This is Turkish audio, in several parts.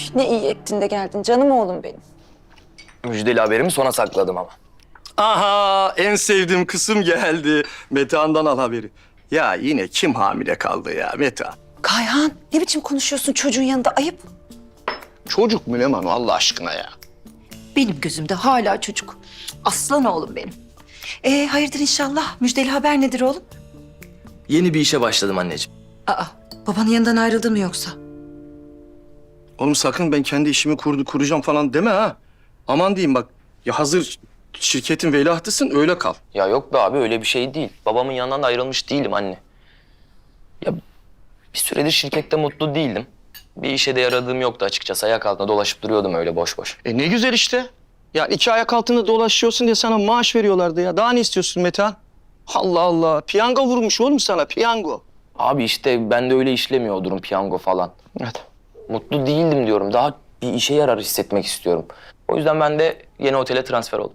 ne iyi ettin de geldin canım oğlum benim. Müjdeli haberimi sona sakladım ama. Aha, en sevdiğim kısım geldi. Metehan'dan al haberi. Ya yine kim hamile kaldı ya Metehan? Kayhan ne biçim konuşuyorsun çocuğun yanında ayıp. Çocuk mu Leman Allah aşkına ya? Benim gözümde hala çocuk. Aslan oğlum benim. Hayırdır inşallah. Müjdeli haber nedir oğlum? Yeni bir işe başladım anneciğim. Aa, babanın yanından ayrıldı mı yoksa? Oğlum sakın ben kendi işimi kuracağım falan deme ha. Aman diyeyim bak. Ya hazır şirketin veliahtısın öyle kal. Ya yok be abi öyle bir şey değil. Babamın yanından da ayrılmış değilim anne. Ya bir süredir şirkette mutlu değildim. Bir işe de yaradığım yoktu açıkçası. Ayak altında dolaşıp duruyordum öyle boş boş. Ne güzel işte. Ya iki ayak altında dolaşıyorsun diye sana maaş veriyorlardı ya. Daha ne istiyorsun Metehan? Allah Allah. Piyango vurmuş oğlum sana piyango. Abi işte ben de öyle işlemiyor o durum piyango falan. Evet. Mutlu değildim diyorum. Daha bir işe yarar hissetmek istiyorum. O yüzden ben de yeni otele transfer oldum.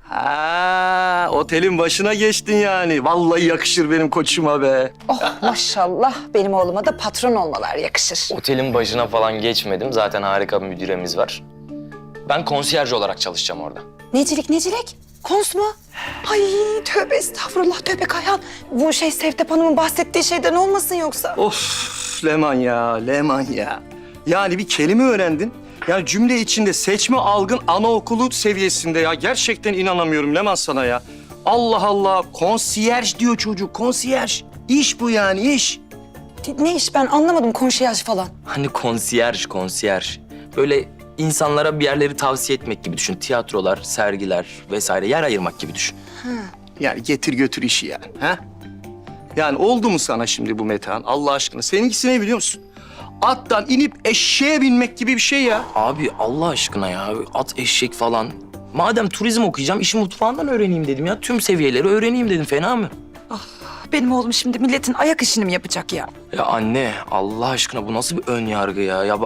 Ha, otelin başına geçtin yani. Vallahi yakışır benim koçuma be. Oh maşallah benim oğluma da patron olmalar yakışır. Otelin başına falan geçmedim. Zaten harika bir müdüremiz var. Ben konsiyerj olarak çalışacağım orada. Necilik? Kons mu? Ay tövbe estağfurullah tövbe Kayhan. Bu Sevtep Hanım'ın bahsettiği şeyden olmasın yoksa? Of Leman ya. Yani bir kelime öğrendin. Yani cümle içinde seçme algın anaokulu seviyesinde ya. Gerçekten inanamıyorum Leman sana ya. Allah Allah. Konsiyerj diyor çocuk. Konsiyerj. İş bu yani iş. Ne iş ben anlamadım konsiyerj falan. Hani konsiyerj. Böyle insanlara bir yerleri tavsiye etmek gibi düşün. Tiyatrolar, sergiler vesaire yer ayırmak gibi düşün. Yani getir götür işi yani. Ha? Yani oldu mu sana şimdi bu Metehan Allah aşkına? Seninkisi ne biliyor musun? Attan inip eşeğe binmek gibi bir şey ya. Abi Allah aşkına ya at eşek falan. Madem turizm okuyacağım işi mutfağından öğreneyim dedim ya. Tüm seviyeleri öğreneyim dedim fena mı? Benim oğlum şimdi milletin ayak işini mi yapacak ya? Ya anne Allah aşkına bu nasıl bir ön yargı ya?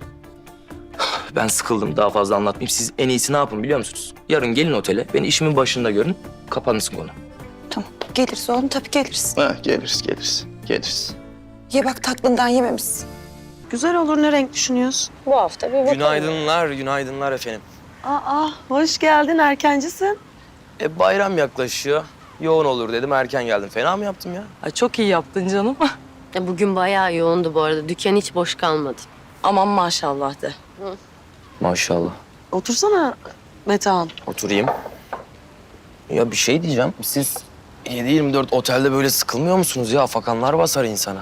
Ben sıkıldım daha fazla anlatmayayım. Siz en iyisi ne yapın biliyor musunuz? Yarın gelin otele beni işimin başında görün. Kapanırsın konu. Tamam geliriz oğlum tabii geliriz. Ha, geliriz. Ye bak tatlından yememişsin. Güzel olur, ne renk düşünüyorsun? Bu hafta bir bakalım. Günaydınlar efendim. Aa, hoş geldin, erkencisin. Bayram yaklaşıyor. Yoğun olur dedim erken geldim. Fena mı yaptım ya? Ay çok iyi yaptın canım. Bugün bayağı yoğundu bu arada. Dükkan hiç boş kalmadı. Aman maşallah de. Maşallah. Otursana Metehan. Oturayım. Ya bir şey diyeceğim. Siz 7/24 otelde böyle sıkılmıyor musunuz ya? Afakanlar basar insana.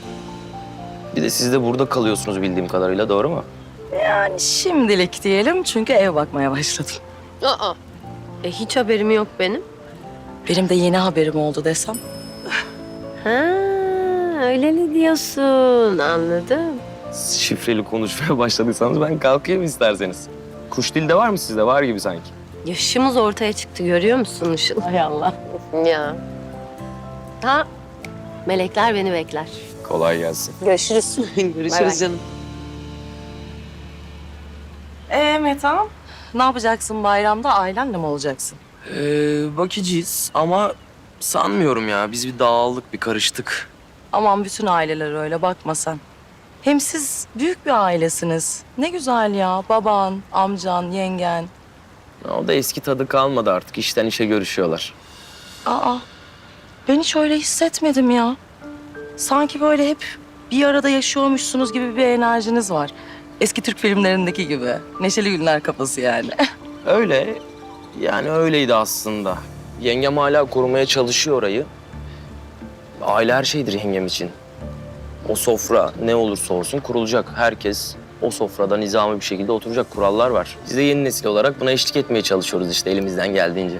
Bir de siz de burada kalıyorsunuz bildiğim kadarıyla, doğru mu? Yani şimdilik diyelim çünkü ev bakmaya başladım. Aa, hiç haberim yok benim. Benim de yeni haberim oldu desem. Ha, öyle mi diyorsun? Anladım. Şifreli konuşmaya başladıysanız ben kalkayım isterseniz. Kuş dili de var mı sizde? Var gibi sanki. Yaşımız ortaya çıktı görüyor musun Işıl? Hay Allah. Ya. Ha, melekler beni bekler. Kolay gelsin. Görüşürüz. Görüşürüz Bay bay. canım. Metan, ne yapacaksın bayramda? Ailenle mi olacaksın? Bakacağız ama sanmıyorum ya. Biz bir dağıldık, bir karıştık. Aman bütün aileler öyle bakma sen. Hem siz büyük bir ailesiniz. Ne güzel ya. Baban, amcan, yengen. O da eski tadı kalmadı artık. İşten işe görüşüyorlar. Aa, ben hiç öyle hissetmedim ya. Sanki böyle hep bir arada yaşıyormuşsunuz gibi bir enerjiniz var. Eski Türk filmlerindeki gibi. Neşeli günler kafası yani. Öyle. Yani öyleydi aslında. Yengem hala korumaya çalışıyor orayı. Aile her şeydir yengem için. O sofra ne olursa olsun kurulacak. Herkes o sofrada nizami bir şekilde oturacak, kurallar var. Biz de yeni nesil olarak buna eşlik etmeye çalışıyoruz işte elimizden geldiğince.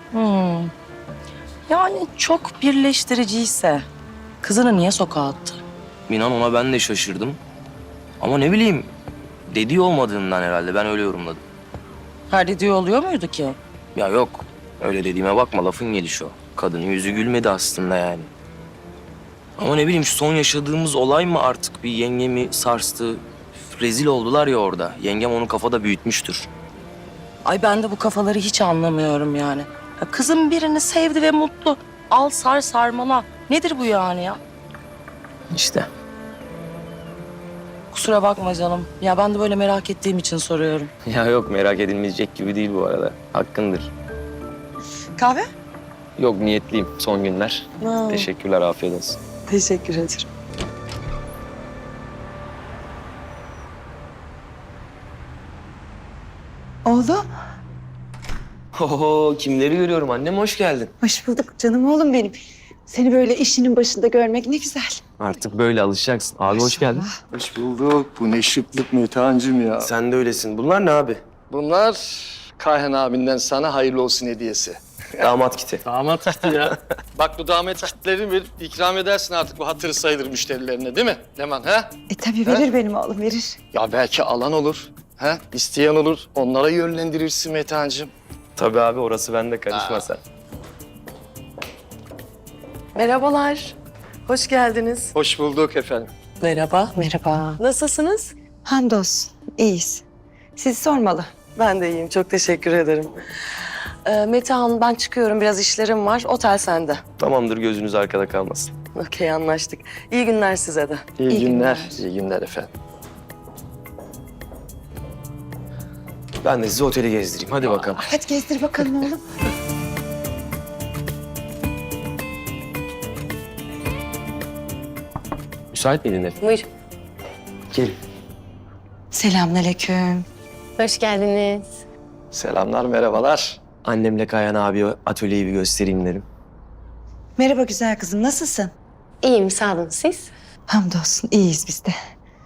Yani çok birleştiriciyse kızını niye sokağa attı? İnan ona ben de şaşırdım. Ama ne bileyim dediği olmadığından herhalde ben öyle yorumladım. Her dediği oluyor muydu ki? Ya yok öyle dediğime bakma lafın gelişi o. Kadının yüzü gülmedi aslında yani. Ama ne bileyim şu son yaşadığımız olay mı artık bir yengemi sarstı. Rezil oldular ya orada. Yengem onu kafada büyütmüştür. Ay ben de bu kafaları hiç anlamıyorum yani. Ya kızım birini sevdi ve mutlu. Al sar sarmala. Nedir bu yani ya? İşte. kusura bakma canım. Ya ben de böyle merak ettiğim için soruyorum. Ya yok, merak edilmeyecek gibi değil bu arada. Hakkındır. Kahve? Yok, niyetliyim son günler. Ha, Teşekkürler, afiyet olsun. teşekkür ederim. Oğlum, Oho, kimleri görüyorum? Annem hoş geldin. hoş bulduk canım oğlum benim. Seni böyle işinin başında görmek ne güzel. Artık böyle alışacaksın. Abi hoş geldin. Hoş bulduk. Bu ne şıklık Metehan'cığım ya. Sen de öylesin. Bunlar ne abi? Bunlar Kayhan abinden sana hayırlı olsun hediyesi. Damat kiti. Damat kiti ya. Bak bu damat kitlerini bir ikram edersin artık bu hatırı sayılır müşterilerine değil mi Leman ha? Tabii verir benim oğlum verir. Ya belki alan olur. Ha? İsteyen olur. Onlara yönlendirirsin Metehan'cığım. Tabii abi, orası bende, karışma sen. Merhabalar. Hoş geldiniz. Hoş bulduk efendim. Merhaba. Merhaba. Nasılsınız? Hamdolsun, iyiyiz. Sizi sormalı. Ben de iyiyim. Çok teşekkür ederim. Metehan, ben çıkıyorum. Biraz işlerim var. Otel sende. Tamamdır, gözünüz arkada kalmasın. Okey, anlaştık. İyi günler size de. İyi, İyi günler. günler. İyi günler efendim. Ben de sizi oteli gezdireyim. Hadi bakalım. Hadi gezdir bakalım oğlum. Müsait miydin Efe? Buyur. Gelin. Selamünaleyküm. Hoş geldiniz. Selamlar, merhabalar. Annemle Kayhan abi atölyeyi bir göstereyim dedim. Merhaba güzel kızım, nasılsın? İyiyim sağ olun siz. Hamdolsun, iyiyiz biz de.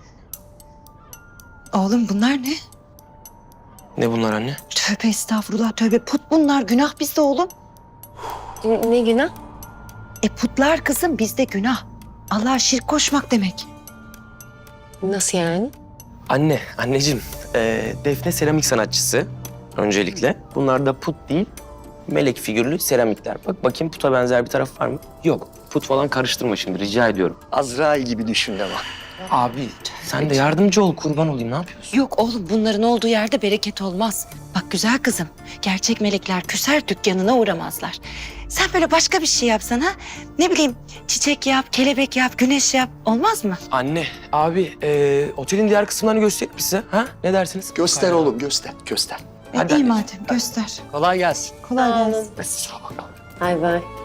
Oğlum bunlar ne? Ne bunlar anne? Tövbe estağfurullah, tövbe put bunlar. Günah bizde oğlum. Ne günah? Putlar kızım bizde günah. Allah'a şirk koşmak demek. Nasıl yani? Anneciğim, Defne seramik sanatçısı öncelikle. Bunlar da put değil, melek figürlü seramikler. Bak bakayım, puta benzer bir taraf var mı? Yok, put falan karıştırma şimdi, rica ediyorum. Azrail gibi düşün Leman. Abi sen de yardımcı ol, kurban olayım, ne yapıyorsun? Yok oğlum, bunların olduğu yerde bereket olmaz. Bak güzel kızım, gerçek melekler küser dükkanına uğramazlar. Sen böyle başka bir şey yapsana. Ne bileyim, çiçek yap, kelebek yap, güneş yap. Olmaz mı? Anne, abi otelin diğer kısımlarını göstereyim mi size? Ha? Ne dersiniz? Göster oğlum, göster, göster. Hadi iyi anneciğim. madem, göster. Kolay gelsin. Kolay Sağ olun. gelsin. Sağ ol bakalım. Bay bay.